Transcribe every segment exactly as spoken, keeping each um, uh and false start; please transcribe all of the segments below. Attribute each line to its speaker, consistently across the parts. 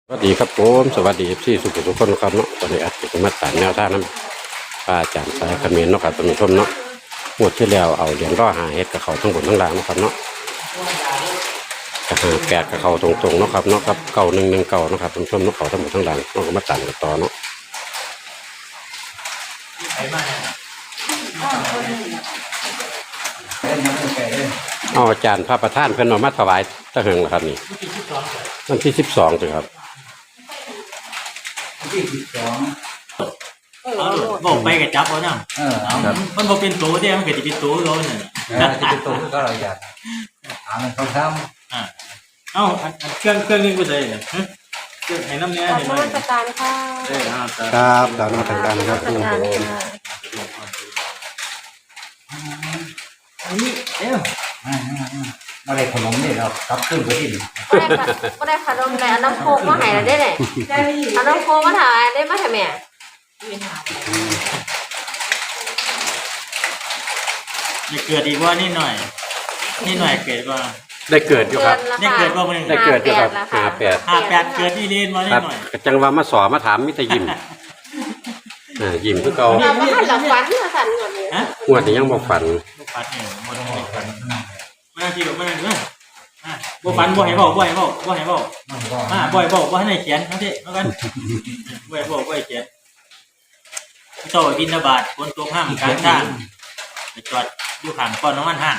Speaker 1: สวัสดีครับผมสวัสดีพี่สุขุมทุกคนครับเนาะตอนนี้อาจจะมาตามแนวทางนั้นพระอาจารย์สายเขมิ้นเนาะครับท่านผู้ชมเนาะงวดที่แล้วเอาเหรียญร่อหาเฮ็ดกับเขาทั้งบนทั้งล่างเนาะครับเนาะกระหาแปดกับเขาตรงๆเนาะครับเนาะครับเก่าหนึ่งหนึ่งเก่าเนาะครับท่านผู้ชมเนาะเขาทั้งหมดทั้งล่างเนาะก็มาตามกันต่อเนาะเอาอาจารย์พระประธานเพิ่นเอามาถวายตะเหิงเหรอครับนี่วันที่สิบสองสิครับ
Speaker 2: ที่สิบสอง
Speaker 3: เอาบอกไปกับจับเอาเนาะ
Speaker 2: เออ
Speaker 3: เอามันบอกเป็นตัวเดียวมันเกิดจะเป็นตัวเราเนี่ย
Speaker 2: แล้วจะเป็นตัวก็เราอยากหามันเขาท
Speaker 3: อ่าเอาอันเครื่องเครื่องนึงก็ได้เนี่ยเครื่องให้น้ำเนี้ย
Speaker 4: ขอบ
Speaker 3: เห็น
Speaker 4: คุ
Speaker 3: ไหม
Speaker 4: ณราชการค่ะ
Speaker 3: เออครับ
Speaker 1: ครับตามมาทางการครับ
Speaker 4: ราชการค่ะ
Speaker 3: อันนี้เอ้า
Speaker 2: ำมาได้ขนมนี่เราทับขึ้นไปที่
Speaker 4: ก็ได้ค่ะก็ได้ขนมเลยเอาน้ำโคกมาให้เราได้เลยเอาน้ำโคกมาถ่ายได้มาถ่ายแม่
Speaker 3: จะเกิดอีกว่านี่หน่อยนี่หน่อยเกิดว่า
Speaker 1: ได้เกิดอยู่ครับ
Speaker 3: ได้เกิดว่ามัน
Speaker 1: ได้เกิดอยู่ครับหาแปด
Speaker 3: ห้าแปดเกิดนี่เรียนมา
Speaker 1: ค
Speaker 3: นี่
Speaker 1: รับ
Speaker 3: หน่อย
Speaker 1: จังว่ามาสอมาถามมิตรยิมอ่ายิมคือเก่า
Speaker 4: เราก็ให้เราฝันมาสั่นก่อนเลย
Speaker 3: ฮะ
Speaker 1: งวดนี้ยังบอกฝัน
Speaker 3: ลูกปัดเนี่ยหมดเลยปัดมาที่ลูกมาเลยนะอ่าบ่ปันบ่ให้บอกบ่ให้บอกบ่ให้บอก
Speaker 2: มันก็
Speaker 3: อ่าบ่อยบอกว่าให้เขียนทั้งที่แล้วกันบ่อยบอกว่าให้เขียนเจ้าบินบาตบนตัวห้ามกลางทางไปจอดอยู่ข้างก้อนน้ำมันห้าง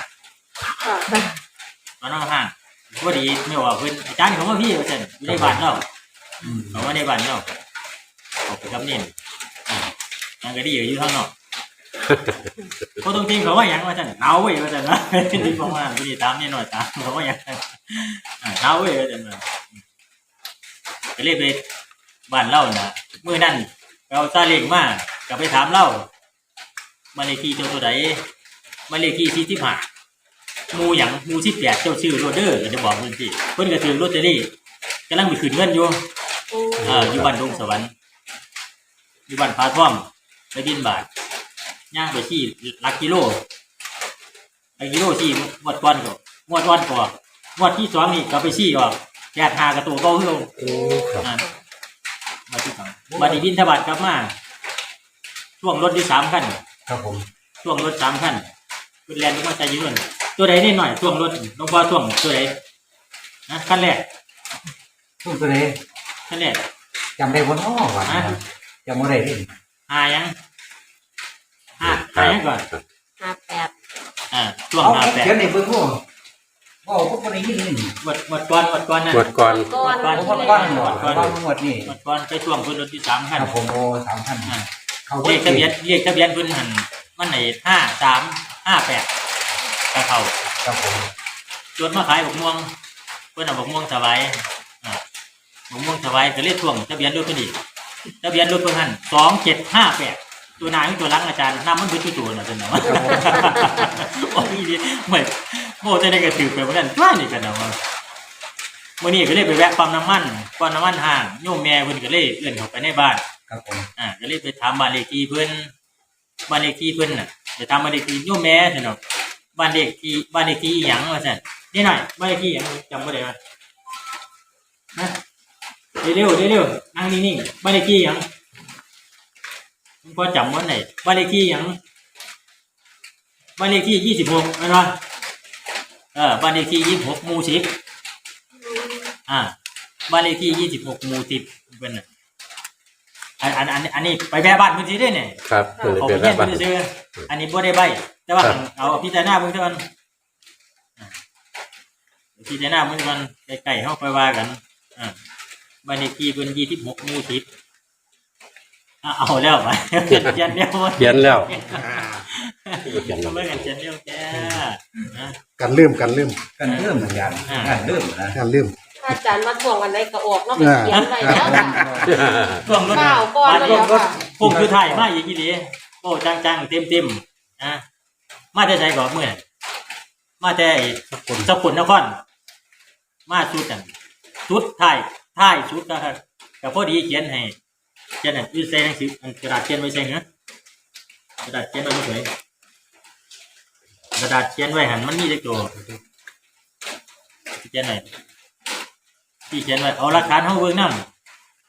Speaker 3: ก้อนน้ำมันห้างพอดีไม่ว่าเพิ่นอาจารย์เขาว่าพี่ว่าซั่นอยู่ในบ้านเนาะเขาว่าในบ้านเนาะเขาไปกำเนิดอ่านั่นก็ดีอยู่ข้างนอกเขาตรงจริงเขาว่าหยังว่าซั่นหนาวเว้ยว่าซั่นนะที่บอกว่าพี่ตามนี่หน่อยตามเขาว่าหยังอ่าหนาวเว้ยว่าซั่นนะก็เลยไปบ้านเล่าน่ะมื้อนั้นเราซาเล้งมาก็ไปถามเล่ามาเลขที่เจ้าตัวใดมาเลขที่สี่สิบห้าหมู่หยังหมู่สิบแปดเจ้าชื่อโรเดอร์ก็จะบอกเพิ่นสิเพิ่นก็ถือลอตเตอรี่กำลังไปขึ้นเงินอยู่เอ่ออยู่บ้านดงสวรรค์อยู่บ้านพาท่อมไปบินบาทย่างไปที่หลักกิโลหลักกิโลที่งวดก่อนก็งวดวันก่อนงวดที่สองนี่ก็ไปชี้ออกแปดห้ากระตัวเก่าคืออ่ามาที่สองบัดนี้บินทบาทกลับมาช่วงรถที่สามคัน
Speaker 2: ครับผม
Speaker 3: ช่วงรถสามคันคุณแลนด์ก็มาใจยืนตัวใดนี่หน่อยช่วงรถน้องพ่อช่วงตัวใดนะขั้นแรก
Speaker 2: ทุกตัวเลย
Speaker 3: ขั้นแรก
Speaker 2: จำได้บนอ้อวันจำไม่ได้ที่
Speaker 3: หายังห้าหายังก่อน
Speaker 4: ห้าแปด
Speaker 3: อ่าช่วงหาแปด
Speaker 2: เขียนในเบอร์พวกว่าพวกคนนี้นี่
Speaker 3: วัดวัดก้อนวัดก้อนนะ
Speaker 1: งวดก่อน
Speaker 4: ก้อน
Speaker 2: พวกก้อนหมดก้อนหมดนี่
Speaker 3: วัดก้อนไปช่วงคุณรถที่สาม
Speaker 2: ค
Speaker 3: คัน
Speaker 2: รับผมโอ้สามพัน
Speaker 3: อ่า
Speaker 2: เขา
Speaker 3: เรียกทะเบียนเรียกทะเบียนคุณหันมันไหนห้าสามห้าแปดกระเขา
Speaker 2: ครับผม
Speaker 3: จนมาขายบกม่วงเพื่อนเอาบกม่วงสบายอ่าบกม่วงสบายก็เรียกช่วงทะเบียนรถคนนี้ทะเบียนรถคนหันสองเจ็ดห้าแปดตัวนายตัวล้างอาจารย์น้ำมันเป็นตัวๆนะเป็นเนาะโอ้ยดีเหมือนโม่จะได้กระถือไปเหมือนกันว่านี่กันเนาะเมื่อนี้ก็เลยไปแวะปั๊มน้ำมันปั๊มน้ำมันห่างโยมแม่เพิ่นก็เลยเอื้อนเข้าไปในบ้าน
Speaker 2: ครับผม
Speaker 3: อ่าก็เลยไปถามบ้านเลขที่เพิ่นบ้านเลขที่เพิ่นน่ะไปถามบ้านเลขที่โยมแม่ซั่นเนาะบ้านเลขที่บ้านเลขที่อีหยังว่าซั่นนี่หน่อยบ้านเลขที่หยังจำบ่ได้ว่าฮะเร็วๆเร็วๆนั่งนิ่งๆบ้านเลขที่หยังพอจำวันไหนบ้านเลขที่หยังบ้านเลขที่ยี่สิบหกแม่นบ่เออบ้านเลขที่ยี่สิบหกหมู่สิบอ่าบ้านเลขที่ยี่สิบหกหมู่สิบเพิ่นน่ะอันอันอันอันนี้ไปแม่บ้านเพิ่นสิได้เนี่ย
Speaker 1: ครับมัน
Speaker 3: เขา
Speaker 1: เป็
Speaker 3: ไป
Speaker 1: น
Speaker 3: เยี่ยม
Speaker 1: แบบ
Speaker 3: เพิ่นซื้ออันนี้บ่ได้ใบแต่ว่าเอาพิจารณาเบิ่งเท่านั้นอ่าพิจารณาเบิ่งเท่านั้นใกล้ๆเฮาไปว่ากันอ่าบ้านเลขที่เพิ่นยี่สิบหกหมู่สิบอ่ะเอาแล้วไปเขียนเขียนเดียว
Speaker 1: เขียนแล้ว
Speaker 3: เขียนเบิ่งกันเขียนเดียวแกนะ
Speaker 5: กันลืมกันลืม
Speaker 2: กันเริ่มเหมือนกันกันเริ่มนะ
Speaker 5: กันลืม
Speaker 4: อาจารย์มาทวงวันไหนก็ออกเนาะไปเขียนไว้แล้ว
Speaker 3: ช่วงรถ
Speaker 4: ข้าวก้อนเลย
Speaker 3: ช่วงรถ
Speaker 4: ค่ะ
Speaker 3: ผมคือถ่ายมาอีกทีเดีโอ้จังๆเต็มๆนะมาแต่ไสก่อนมื้อนั้นมาแต่ไอ้สกลนครมาชุดกันชุดถ่ายถ่ายชุดนะครับก็พอดีเขียนให้เขียนให้อยู่ใส่หนังสืออันกระดาษเขียนไว้ใส่เหรอกระดาษเขียนไว้บ่สวยกระดาษเขียนไว้หันมันมีเลขตัวเขียนไหนที่เขียนไว้เอาหลักฐานเฮาเบิ่งนำ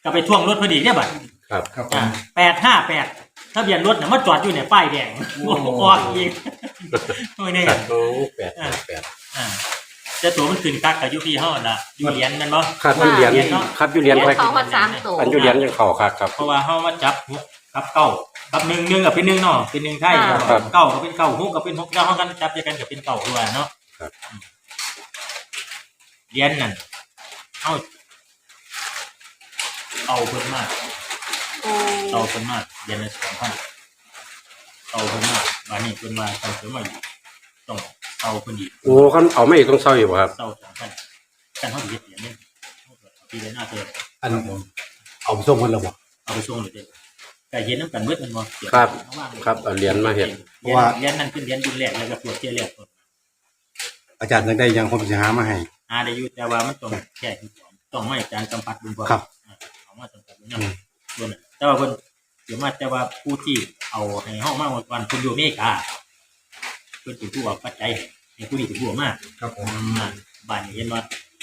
Speaker 3: ก็ไปท่วงรถพอดีเนี่ยบัด
Speaker 1: ครับ
Speaker 2: ครับผ
Speaker 3: อ่าม แปดห้าแปดทะเบียนรถเนี่ยมาจอดอยู่เนี่ยป้ายแดงโอ้โหออกอีกโอ้ยเนี่ย
Speaker 1: ครับโอ้แปดแปด
Speaker 3: อ่าแต่ตัวมันขึ้นคักกับยูพีเฮาน่ะอยู่เหรียญนั่นบ่
Speaker 1: ครับอยู่เหรียญครับอยู่เหรียญ
Speaker 4: เลี้
Speaker 1: ไป
Speaker 4: ยงเขาคนสามตัว
Speaker 1: อันอยู่เหรียญยังเข้าครับครับ
Speaker 3: เพราะว่าเฮามาจับหกกับเก้ากับหนึ่งหนึ่งกับเป็นหนึ่งเนาะเป็นหนึ่งไทย
Speaker 1: ครับ
Speaker 3: เก้าก็เป็นเก้าหกก็เป็นหกแล้วเฮากันจับด้วยกันก็เป็นเก้าด้วยเนาะ
Speaker 1: ครับ
Speaker 3: เหรียญนั่นเฮาเอาเพิ่นมาก
Speaker 4: โอ้
Speaker 3: เอาเพิ่นมากเหรียญละสองพันเอาเพิ่นมากบาดนี้เพิ่นว่าต้องเพิ่นมาอีกต้องเอาเพิ่นอีก
Speaker 1: โอ้คันเอาไม่ต้องเศร้าอยู่บ่ครับ
Speaker 3: เศร้าสองพันกันเฮาสิเฮ็ดเหรียญนี่ปีละหน้าเทื่อ
Speaker 2: อันเอาส่งคนละบ่
Speaker 3: เอาไปส่งเลยเด้อก็เห็นนำกันเบิดมันบ่เสีย
Speaker 1: ครับ
Speaker 3: เอาวางเลย
Speaker 1: ครับเอาเหรียญมาเฮ็ด
Speaker 3: เพราะว่าเหรียญนั้นเป็นเหรียญรุ่นแรกแล้วก็ตรวจเที่ยแรกก่อน
Speaker 2: อาจารย์ยังได้ยังผมสิหามาให้
Speaker 3: หาได้อยู่แต่ว่ามันต้องแค่ที่สองต้องไม่การสัมผัสบุญก่อน
Speaker 2: ครับ
Speaker 3: อ่าเอามาสัมผัสบุญนำส่วนน่ะแต่ว่าเพิ่นเดี๋ยวมาแต่ว่าผู้ที่เอาให้เฮามาวันเพิ่นอยู่อเมริกาเพิ่นเป็นผู้เอาปัจจัยให้ผู้นี้เป็นผู้เอามา
Speaker 2: ครับผม
Speaker 3: อ่าบ้านนี้เห็นว่า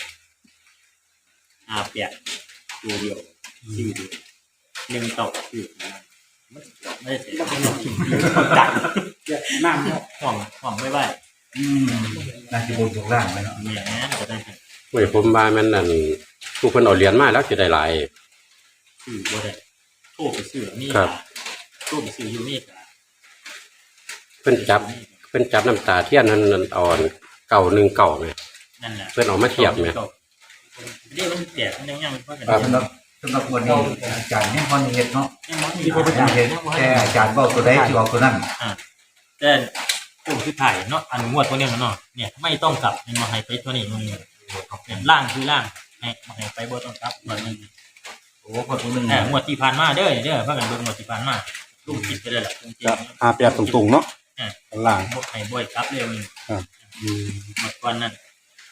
Speaker 3: อาแปดตัวเดียวชื่อเดียวหนึ่งเต่าชื่อมันไม่ได้เสียไม่ได้ทิ้งจัด
Speaker 2: น้ำเนาะ
Speaker 3: ห่วงห่วงไม่ไหว
Speaker 2: อืมน่าสิบนอยู่ล่างไว้เนาะ
Speaker 3: แหมก็ได้
Speaker 1: เว้ยผมว่ามันนั่นผู้เพิ่นเอาเหรียญมาแล้วสิได้หลาย
Speaker 3: ซื้อบ่ได้โทรไปซื้อนี่
Speaker 1: ครับ
Speaker 3: โทรไปซื้ออยู่นี่ก็
Speaker 1: เพิ่นจับเพิ่นจับน้ำตาเทียนนั่นนั่นเอาเก่าหนึ่งเก่าไหม
Speaker 3: นั่นแหละ
Speaker 1: เพิ่นเอามาเทียบไหม
Speaker 3: เดี๋ยวมันแตกมันยังยังมันก็กัน
Speaker 2: สำหรับสำหรับวันนี้อาจารย์ยังพอเห็นเนาะ
Speaker 3: ยังมันมี
Speaker 2: ที่ผมเห็นแต่อาจารย์บอกตัวใดที่บอกตัวนั้น
Speaker 3: แต่ตัวคือถ่ายเนาะอันงวดตัวนี้มันเนาะเนี่ยไม่ต้องกลับมันมาให้ไปตัวนี้มันเนี่ยล่างคือล่างให้มาให้ไปบ่ต้องกลับมันนึง
Speaker 2: โอ้คนตัวหนึง
Speaker 3: แต่งวดที่ผ่านมาเด้อเด้อพากันเบิ่งงวดที่ผ่านมาลูกคิดไปเลยล่ะจริง
Speaker 2: จะอาแปดตรงๆเนาะล่าง
Speaker 3: ๆบ่ให้บ่อยกลับเลยมัน
Speaker 2: อืม
Speaker 3: หมดก่อนนั้น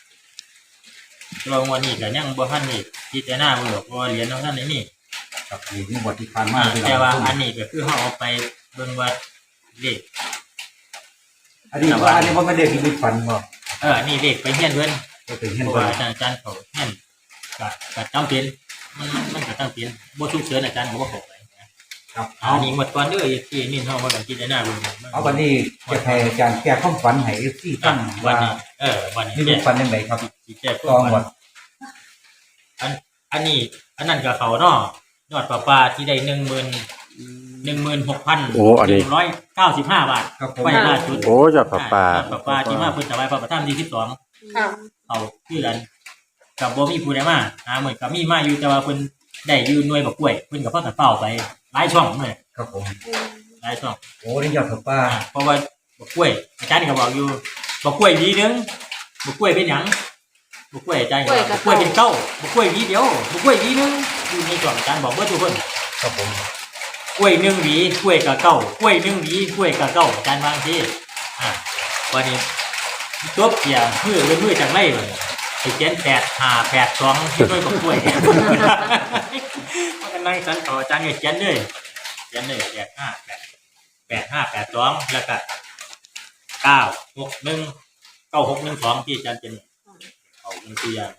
Speaker 3: ตัววันนี้ก็ยังบ่ทันนี่พิจารณาเบิ่งหรอกเพราะว่าเหรียญของท่านนี่
Speaker 2: ครับนี่นี่บทที่ผ่านมา
Speaker 3: อ่าแต่ว่าอันนี้ก็คือเฮาเอาไปเบิ่งว่าเลข
Speaker 2: อันนี้ว่าอันนี้ว่าไม่ได้มีฝันบ่
Speaker 3: เออนี่เลขไปเฮียนเพิ่น
Speaker 2: ก็เป็น
Speaker 3: เพ
Speaker 2: เห็น
Speaker 3: ราะ
Speaker 2: ว่า
Speaker 3: ว่าอาจารย์อาจารย์เขาเฮียนก็ก็จำเป็นมันมันก็จำเป็นบ่ฉุกเฉินอาจารย์ก็บ่เข้าไปนะครับ
Speaker 2: เอา
Speaker 3: อันนี้หมดก่อนเด้อที่นี่เฮาว่ากันพิจารณาเบิ่ง
Speaker 2: เอาวันนี้จะให้อาจารย์แก้ความฝันให้ เอฟ ซี
Speaker 3: ตั้
Speaker 2: ตั้
Speaker 3: ง
Speaker 2: ง
Speaker 3: วัน
Speaker 2: ว่า
Speaker 3: นี้เออวันนี้
Speaker 2: นี่
Speaker 3: แก้
Speaker 2: เป็นฝันยังไงครับ
Speaker 3: สิแก้
Speaker 2: กองหมด
Speaker 3: อันอันนี้อันนั้นก็เขาเนาะยอดประปาที่ได้หนึ่งหมื่นหนึ่งหมื่นหกพัน
Speaker 1: โอ้อันนี้
Speaker 3: ร้อยเก้าสิบห้าบาท
Speaker 2: ครับผม
Speaker 3: ไว้ล่าสุด
Speaker 1: โอ้ยอดปลาปลา
Speaker 3: ยอดประปาที่มาเพิ่นถวายพระประธานที่สิบสอง
Speaker 4: ค่ะ
Speaker 3: เอาคือกันกับบ่มีผู้ใดมาหาเหมือนกับมีมาอยู่แต่ว่าเพิ่นได้อยืนหน่วยบักกล้วยเพิ่นก็พากันเฝ้าไปหลายช่องเลย
Speaker 2: ครับผม
Speaker 3: หลายช่อง
Speaker 2: โอ้นี่ยอดผักป้า
Speaker 3: อ่าเพราะว่าบักกล้วยอาจารย์ก็บอกอยู่บักกล้วยหวีหนึงบักกล้วยเป็นหยังบักกล้วยอาจารย์ก็บอกบักกล้วยเป็นเก้าบักกล้วยหวีเดียวบักกล้วยหวีหนึงอยู่ในช่องอาจารย์บอกเบิดทุกคน
Speaker 2: ครับผม
Speaker 3: กล้วยหนึ่งหวีกล้วยกับเก้ากล้วยหนึ่งหวีกล้วยกับเก้าอาจารย์บางทีอ่าวันนี้ตัวเปียมือเป็นมือจากไรเลยไอ้เจนแปดห้าแปดสองที่ด้วยกับกล้วยเนี่ยมันกันนั่งสันต่ออาจารย์เนี่ยเจนเลยเจนเลยแปดห้าแปดแปดห้าแปดสองแล้วก็เก้าหกหนึ่งเก้าหกหนึ่งสองที่อาจารย์เจนเอาเป็นตัวอย่าง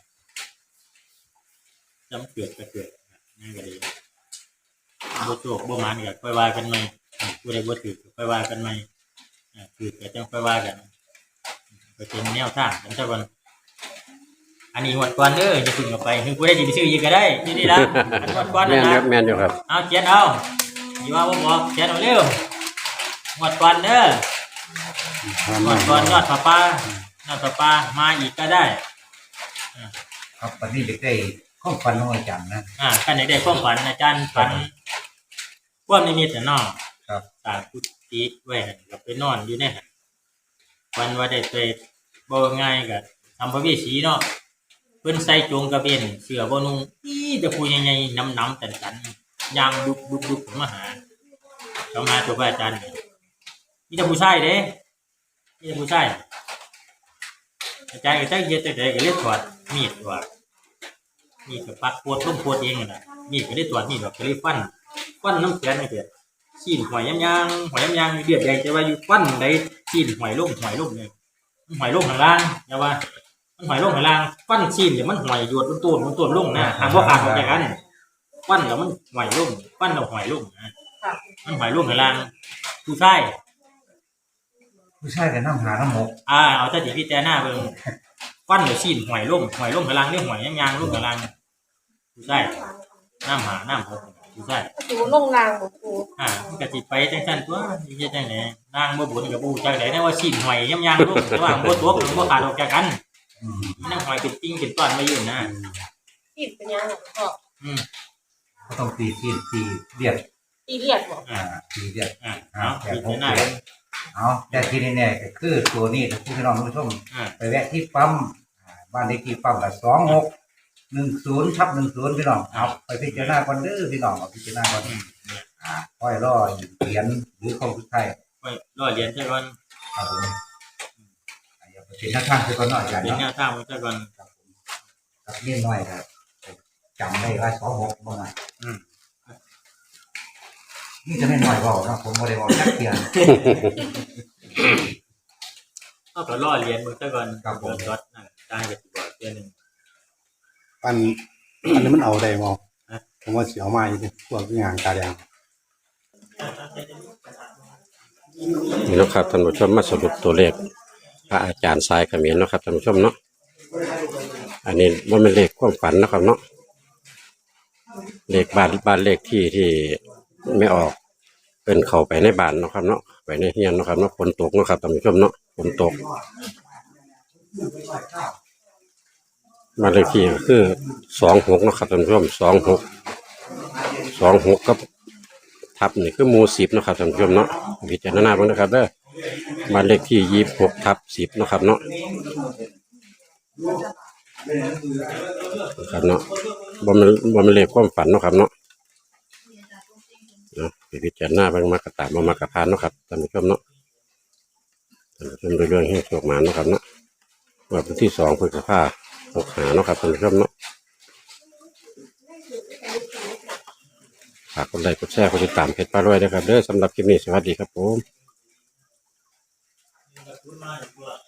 Speaker 3: จำเกิดก็เกิดนั่นก็ดี บ่โชคบ่หมานก็ค่อยว่ากันใหม่ผู้ใดบ่ถือก็ค่อยว่ากันใหม่อ่าถือก็จังค่อยว่ากันก็เป็นแนวทางกันซะก่อนอันนี้งวดก่อนเด้อจะพึ่งเอาไปคือผู้ใดสิไปซื้ออีกก็ได้นี่นี่ละอันงวดก่อน
Speaker 1: แม่
Speaker 3: นั่
Speaker 1: น
Speaker 3: น
Speaker 1: ครั
Speaker 3: นะ
Speaker 1: บแม่นอยู่ครับ
Speaker 3: เอาเขียนเอาสิว่าบ่บอกเขียนเอาเร็วงวดก่อนเด้องวดก่อนยอดผ้าป่ายอดผ้าป่ามาอีกก็ได้
Speaker 2: ครับวันนี้เด็กได้ข้อฝันของอาจารย์นะ
Speaker 3: อ่ากันได้ความฝันอาจารย์ฝันความนิมิตน่ะเนาะ
Speaker 2: ครับ
Speaker 3: ตากุฏิไว้หั่นก็ไปนอนอยู่ในหั่นวันว่าได้ไปบ่ง่ายก็ทำพระเวสสีเนาะเพิ่นใส่โจงกระเบนเสื้อบ่นุ่งอีแต่ผู้ใหญ่ๆน้ำๆตันๆย่างดุบๆๆมาหาเขามาตัวพระอาจารย์มีแต่ผู้ชายเด้มีแต่ผู้ชายอาจารย์ก็จักเฮ็ดจังได๋ก็เลยถอดมีดว่ามีดก็ปักปวดลงปวดเองนั่นน่ะมีดก็ได้ถอดมีดก็เลยฟันฟันน้ำแข็งนี่เด้อ ขีนหอยยำยางหอยยำยางเดือดใหญ่จะว่าอยู่ปั้นได้ขีนหอยลุ่มหอยลุ่มเลยหอยลุ่มข้างล่างจะว่ามันหอยลุ่มข้างล่างปั้นขีนเดี๋ยวมันหอยหยวดต้นต้นต้นลุ่มนะทางพวกขาดออกจากกันควันแล้วมันหอยลุ่มควันแล้วหอยลุ่มนะ
Speaker 4: ค่ะ
Speaker 3: มันหอยลุ่มข้างล่างผู้ชาย
Speaker 2: ผู้ชายกับน้ำหาน้ำหมก
Speaker 3: อ่าเอาแต่ที่พี่แจหน้าเบิ่งควันแล้วชิ้นหอยลุ่มหอยลุ่มข้างล่างเรียกหอยยางๆลุ่มข้างล่างผู้ชายน้ำหาน้ำหกผู้ชาย
Speaker 4: ครูลงรางบ่ครู
Speaker 3: อ่ามันก็สิไปจังซั่นตัวสิเฮ็ดจังได๋นางบ่บุญกับบ่ฮู้จักได๋นะว่าชิ้นหอยยางๆลุ่มแต่ว่าบ่ตกบ่ขาดออกจากกัน
Speaker 2: อืม
Speaker 3: มันนั่งหอยเป็นติ้งเป็นต้อนมาอยู่นะ
Speaker 4: ติดเป็นยังไงพ่อ
Speaker 3: อืม
Speaker 2: ก็ต้องตีตีตีเลียด
Speaker 4: ตีเลียดบ่
Speaker 3: อ่า
Speaker 2: อ่าตีเลียด
Speaker 3: อ่าเอาพี่แจหน้าเบิ่ง
Speaker 2: เอาแต่ที่แน่ๆก็คือตัวนี้นะพี่น้องผู้ชม
Speaker 3: อ่า
Speaker 2: ไปแวะที่ปั๊มอ่าบ้านเลขที่ปั๊มกับสองหกหนึ่งศูนย์ทับหนึ่งศูนย์พี่น้องเอาไปพิจารณาก่อนเด้อพี่น้องเอาพิจารณาก่อนอ่าค่อยรอเหรียญหรือของสุดท้าย
Speaker 3: ไว้รอเรียนซะก่อน
Speaker 2: ครับผมอ่าอย่าไปเป็นหน้าทางคือก่อนหน่อยอย่าง
Speaker 3: เป็น
Speaker 2: เนาะ
Speaker 3: แนวทางไว้ซะก่อน
Speaker 2: ครับผมครับเล่นน้อยครับจำได้ว่าสองหกบ่หน่อย
Speaker 3: อืม
Speaker 2: นี่จะไม่น้อยเบาเนาะผมบ่ได้บอกจักเทียน
Speaker 3: เอาก็รอเรียนเบิ่งซะก่อน
Speaker 2: ครับผม
Speaker 3: รถนั่นได้ก็สิบอกเทื่อนึง
Speaker 5: อันอันนี้มันเอาได้บ่
Speaker 3: ฮะ
Speaker 5: ผมว่าสิเอามาอยู่พวกงานตาแดง
Speaker 1: นี่เนาะครับท่านผู้ชมมาสรุปตัวเลขพระอาจารย์สายเขมิ้นเนาะครับท่านผู้ชมเนาะอันนี้ว่าเป็นเลขความฝันเนาะครับเนาะเลขบ้านบ้านเลขที่ที่ไม่ออกเป็นเข้าไปในบ้านเนาะครับเนาะไปในเฮียนเนาะครับเนาะฝนตกเนาะครับท่านผู้ชมเนาะฝนตกบ้านเลขที่ก็คือสองหกเนาะครับท่านผู้ชมสองหกสองหกกับทับนี่คือหมู่สิบเนาะครับท่านผู้ชมเนาะพิจารณาบ้างนะครับเด้อบ้านเลขที่ยี่สิบหกทับสิบเนาะครับเนาะครับเนาะบ่มันบ่มันเลขความฝันเนาะครับเนาะเนาะพิจารณาบ้างมากระตามมามากระพานเนาะครับท่านผู้ชมเนาะท่านผู้ชมโดยเรื่องให้โชคมาเนาะครับเนาะวันที่สองพฤษภาหกหาเนาะครับท่านผู้ชมเนาะฝากกดไลค์กดแชร์กดติดตามเพจป้ารวยด้วยครับเด้อสำหรับคลิปนี้สวัสดีครับผม
Speaker 3: คุณมาดีกว่า